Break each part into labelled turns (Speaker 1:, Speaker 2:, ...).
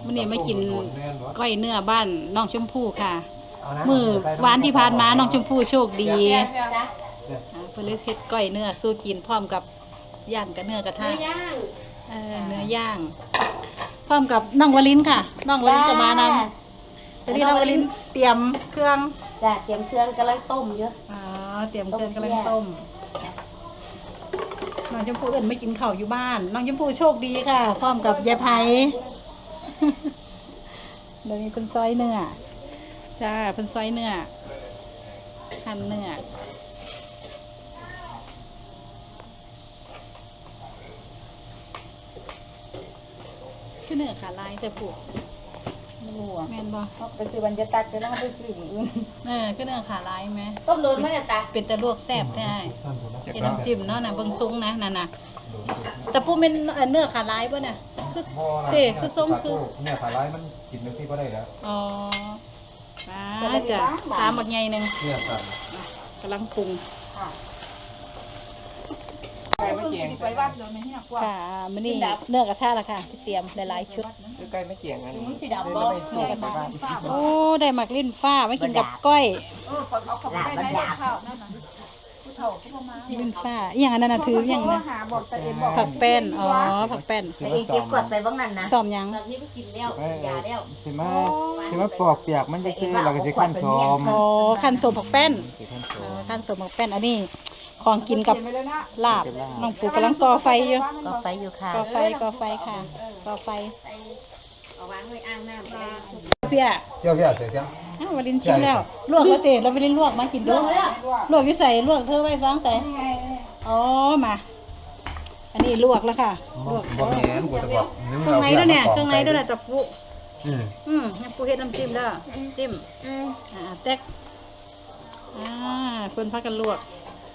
Speaker 1: วันนี้มากินก้อยเนื้อบ้านน้องชมพู่ค่ะมือวานที่ผ่านมาน้องชมพู่โชคดีเพื่อเฮ็ดก้อยเนื้อสู้กินพร้อมกับย่างกับเนื้อกระทะเนื้อย่างพร้อมกับน้องวลินค่ะน้องวลินจะมานำตอนนี้น้องวลินเตรียมเครื่อง
Speaker 2: จ้ะเตรียมเครื่องกำลังต้มเยอะ
Speaker 1: เตรียมเครื่องกำลังต้มน้องชมพู่เอิ้นไม่กินข้าวอยู่บ้านน้องชมพู่โชคดีค่ะพร้อมกับยายไผ่เดี๋ยวนี้เป็นซอยเนื้อจ้าเป็นซอยเนื้อหั่นเนื้อคือเนื้อขาลายแต่ปลูกแม่นบ่
Speaker 2: ไปซื้อบรรยากาศไปแล้วไปซื้ออื่น
Speaker 1: คือเนื้อขาลายไหม
Speaker 2: ต้มโดนไหมเนี่ยตา
Speaker 1: เป็นแต่ลวกแซ่บได้เป็นน้ำจิ้มเนาะนะเบิ่งซุ้งนะนั่นน่ะแต่ปูเป็นเนื้อขาลายป่ะเนี่ยคือซุ้งคือ
Speaker 3: เนื้อขาลายมันกินเป็นที่ก็ได้แล้ว
Speaker 1: อ๋อจ้ะสามบักใหญ่นึง
Speaker 3: เนื้อสัน
Speaker 1: กำลังปรุง
Speaker 2: ไก่ไม่เกี่ยงไปวัดเลยไม่ที่หนักกว่า
Speaker 1: ค่ะมื้อนี้เนื้อกระทะละค่ะที่เตรียมหลายๆชุด
Speaker 3: ไก่ไม่เกี่ยงกัน
Speaker 2: สีดำบ่
Speaker 1: โอ้ได้หมักลิ้นฟ้าไว้กินกับก้อย
Speaker 2: เอาขับไปได้ข้าวนั่นน่ะผู้เฒ่าผู้ประมาณ
Speaker 1: ลิ้นฟ้าอย่างนั้นน่ะถืออย่างนะผักแป้นผักแป้น
Speaker 2: เองเก็บกดไปบ้างนั่นนะ
Speaker 1: ซ้อมยัง
Speaker 2: ตอนนี้ก็กินแล้วยาแล้ว
Speaker 3: ใช่ไหมปอกเปียกมันจะซื้อเราก็จะขั้นส้ม
Speaker 1: ขั้นส้มผักแป้นขั้นส้มผักแป้นอันนี้ของกินกับลาบน้องปู่กำลังก่อไฟอยู่
Speaker 2: ค่ะก่อไฟค่ะ
Speaker 1: ก่อไฟ
Speaker 2: เอาวางไว้อ่างน้
Speaker 1: ำเพี้ย
Speaker 3: เสียง
Speaker 1: วลินชิมแล้วลวกแล้วเตะเราวลินลวกมากินด้วยลวกอยู่ใส่ลวกเธอไว้ฟังใส่มาอันนี้ลวกแล้วค่ะลวก
Speaker 3: บ่แม่นกูจะบอก
Speaker 1: เครื่องในด้วยเนี่ยเครื่องในด้วยนะจับปูปูเฮ็ดน้ำจิ้มแล้วจิ้มแตกคนพักกันลวก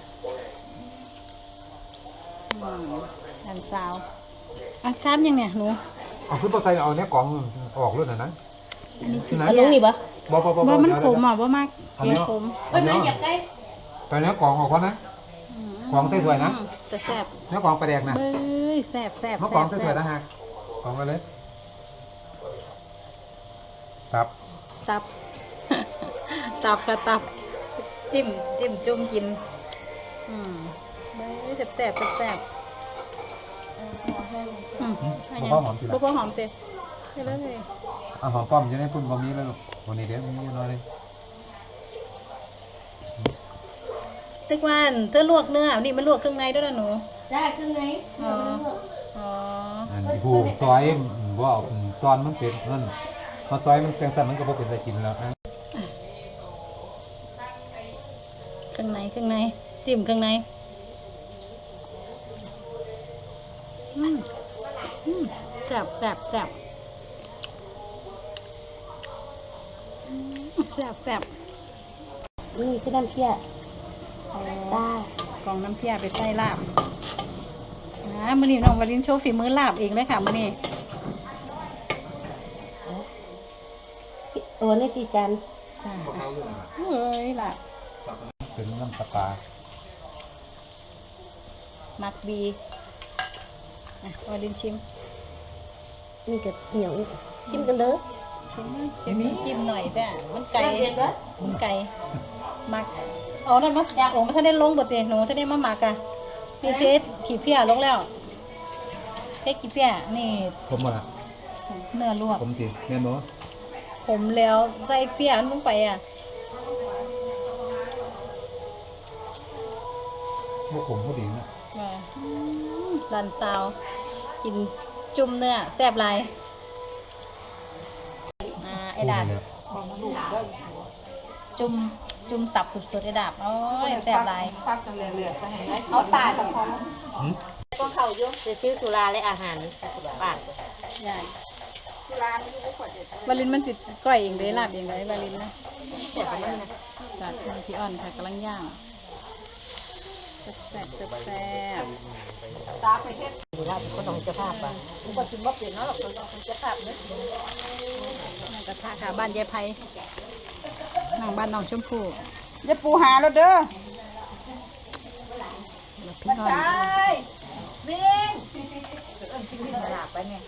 Speaker 1: อันซาวซ้ำยังเนี่ยหนู
Speaker 3: เอาขึ้นตัวไทยเอาเนี้ยกล่องออกรุ่นนะ
Speaker 1: อันนี้คือ
Speaker 2: ลุงนี่ปะ
Speaker 1: บ่มันขมบ่มากขม
Speaker 2: ไม่อยากได้
Speaker 3: ตอนนี้กล่องออกก่อนนะกล่องใส่ถ้วยนะ
Speaker 1: จะแซ่บ
Speaker 3: เนี้ยกล่องปลาแดกนะ
Speaker 1: แซ่บ
Speaker 3: เมื่อกล่องใส่ถ้วยนะฮะกล่องไปเลยตับ
Speaker 1: ค่ะจิ้มจุ่มกินแซ่บ
Speaker 3: พอหอมจี
Speaker 1: ละพอหอมเต็มเลย
Speaker 3: หอมป้อมจะได้พุ่นบะหมี่แล้วลูกวันนี้เดี๋ยวมีน้อยเลย
Speaker 1: ตึกวันเธอลวกเนื้อนี่มันลวกเครื่องในด้วยนะหนู
Speaker 2: ได้เครื่องใน
Speaker 3: ผู้ซอยว่าตอนมันเป็นนั่นมาซอยมันแกงสั่นมันก็พอเป็นอะไรกินแล้ว
Speaker 1: เครื่องในจิ้มเครื่องในแซ่บ
Speaker 2: นี่คือน้ำเพี้ย
Speaker 1: ได้กล่องน้ำเพี้ยไปใส่ลาบมื้อนี้น้องวลินโชว์ฝีมือลาบเองเลยค่ะมื้อนี้
Speaker 2: ตัวนี้ตีจัน
Speaker 1: จ้าเฮ้ยลาบ
Speaker 3: เป็นน้ำปลา
Speaker 1: มักดีวลินชิม
Speaker 2: นี่กับเหนียวชิมกันเด้อ
Speaker 1: จิ้มหน่อยแต่มันไก่มักนั่นมั้งมันท่านได้ลงบทเตะหนูท่านได้มาหมักอะนี่เทสขี้เพี้ยลงแล้วเทสขี้เพี้ยนี่
Speaker 3: ผมมาละ
Speaker 1: เนื้อลวก
Speaker 3: ผมสิแม่นบ่
Speaker 1: ผมแล้วใส่เพี้ยลงไปอ่ะ
Speaker 3: พวกผมเขาดีนะ
Speaker 1: รันซาวกินจุ่มเนื้อแซ่บลายไอ้ดาบจุ่มตับสุดๆไอ้ดาบโอ้ยแซ่บลาย
Speaker 2: เอาปลาของก็เขาเยอะจะซื้อสุราและอาหารปลา
Speaker 1: ใช่วาลินมันติดก้อยเองเลยลาบเองเลยวาลินนะแซ่บมากนะจัดพี่อ่อนค่ะกำลังย่างแซ่บ
Speaker 2: ตาไปแค่ดูได้ก็ต้องจะภาพป่ะผมก็กินว่าเปลี่ยนเนาะหรอกต้องจะภาพเนี่ย
Speaker 1: กระทะค่ะบ้านยายไผ่นั่งบ้านน้องชมพู่
Speaker 2: จะปูหาแล้วเด้อ
Speaker 1: พี่อ่อน
Speaker 2: นที่นี่หลาบไปเนี่ย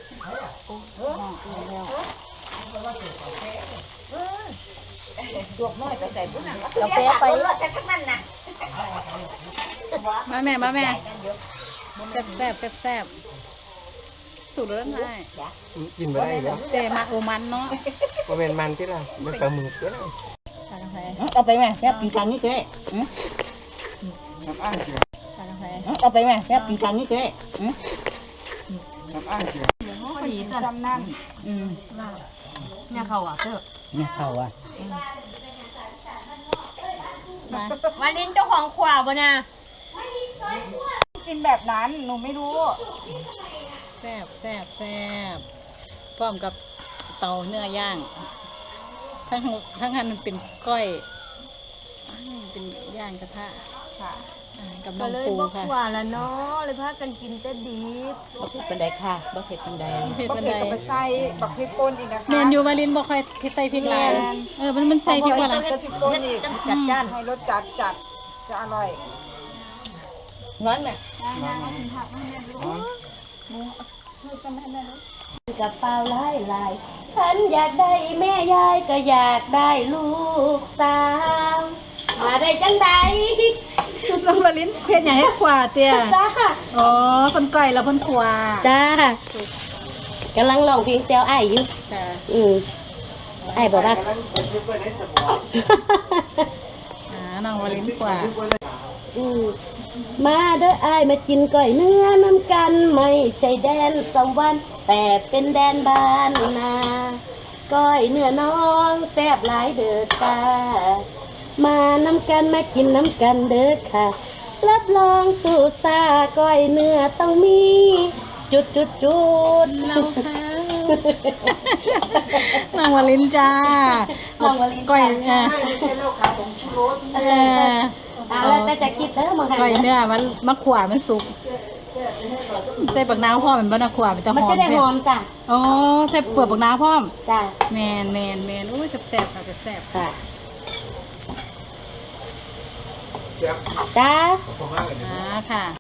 Speaker 2: จวกน้อยไปใส่พุ่นน่ะกาแฟไปแต่ทั้งนั้นน่ะ
Speaker 1: มาแม่แซ่บสูตรแล้วได้
Speaker 4: กินไม่ได้เหรอ
Speaker 1: เจมาโอมันเนาะ
Speaker 4: มันเป็นมันที่ละมันปลาหมึกก็ได้
Speaker 1: ชากาแฟ
Speaker 2: เอาไปแม่แซ่บกินกลางนี้เจ๊
Speaker 4: น้ำอ้างเสีย
Speaker 1: ชากาแฟ
Speaker 2: เอาไปแม่แซ่บกินกลางนี้เจ๊
Speaker 4: น้ำอ้างเสีย
Speaker 1: พอดีจำนั่น
Speaker 2: เนี่ยเขาอ่ะเจ้า
Speaker 3: เนี่ยเข้าอ่ะ
Speaker 1: มา
Speaker 2: วันนี้เจ้าของขวาบ่นะกินแบบนั้นหนูไม่รู้
Speaker 1: แซ่บพร้อมกับเตาเนื้อย่างทั้งหันมันเป็นก้อยเป็นย่างกระทะ
Speaker 2: ค่ะ
Speaker 1: กับน้
Speaker 5: ก็
Speaker 1: อง
Speaker 5: เลย
Speaker 1: ปู
Speaker 5: บอก
Speaker 1: ค่ะ
Speaker 5: ว่าละเนาะเลยพากันกินแต่ดี
Speaker 2: บักเผ็ดเป็นไดค่ะบักเผ็ดเป็นได
Speaker 1: เผ็ด
Speaker 6: บัก
Speaker 1: บัน
Speaker 6: เผ็
Speaker 1: ได
Speaker 6: ดกับไปใส่บักพริกป่นอีกนะคะ
Speaker 1: แมนยูวาลินบอกค่อยพริกใส่พริกลายมันใส่พริกว่าอะไร
Speaker 6: ใส่พริกป่นอีก
Speaker 2: จัดจ้าน
Speaker 6: ให้รสจัดจะอร่อย
Speaker 2: ร้อนไหม
Speaker 5: กับเปล่าหลายหลายฉันอยากได้แม่ยายก็อยากได้ลูกสาวมาได้จังใด
Speaker 1: น้องวาลินเผ็ดอย่างให้ขวาเตี้ย
Speaker 5: จ้า
Speaker 1: อ๋อคนก้อยแล้วคนขวา
Speaker 5: จ้ากำลังลองเพลงเซลไอายอยู่
Speaker 1: จ้ะ
Speaker 5: ไอายบอกว่า
Speaker 1: น้องวาลินขวา
Speaker 5: มาเด้อไอายมากินก้อยเนื้อน้ำกันไม่ใช่แดนสวรรค์แต่เป็นแดนบ้านนาก้อยเนื้อน้องแซ่บหลายเด้อค่ะมาน้ำกันมากินน้ำกันเด้อค่ะรับรองสู่ซาก้อยเนื้อต้องมีจุด
Speaker 1: เราค่ะน้องวาลินจ้า
Speaker 5: น้องวาลิน
Speaker 1: ก้อย
Speaker 5: จ้า แล้วแต่จะคิดเด้อมึง
Speaker 1: ก้อยเนื้อมันขวามันสุกใส่ปักน้ำพร้อมมันบ้าขวามันจะห
Speaker 5: มัน
Speaker 1: อม
Speaker 5: จะได้หอมจ้ะ
Speaker 1: อ๋อใส่เปลือกปักน้ำพร้อม
Speaker 5: จ้ะ
Speaker 1: แมนโอ้ยแซ่บค่ะแซ่บ
Speaker 5: ค่ะจ้า
Speaker 1: ค่ะ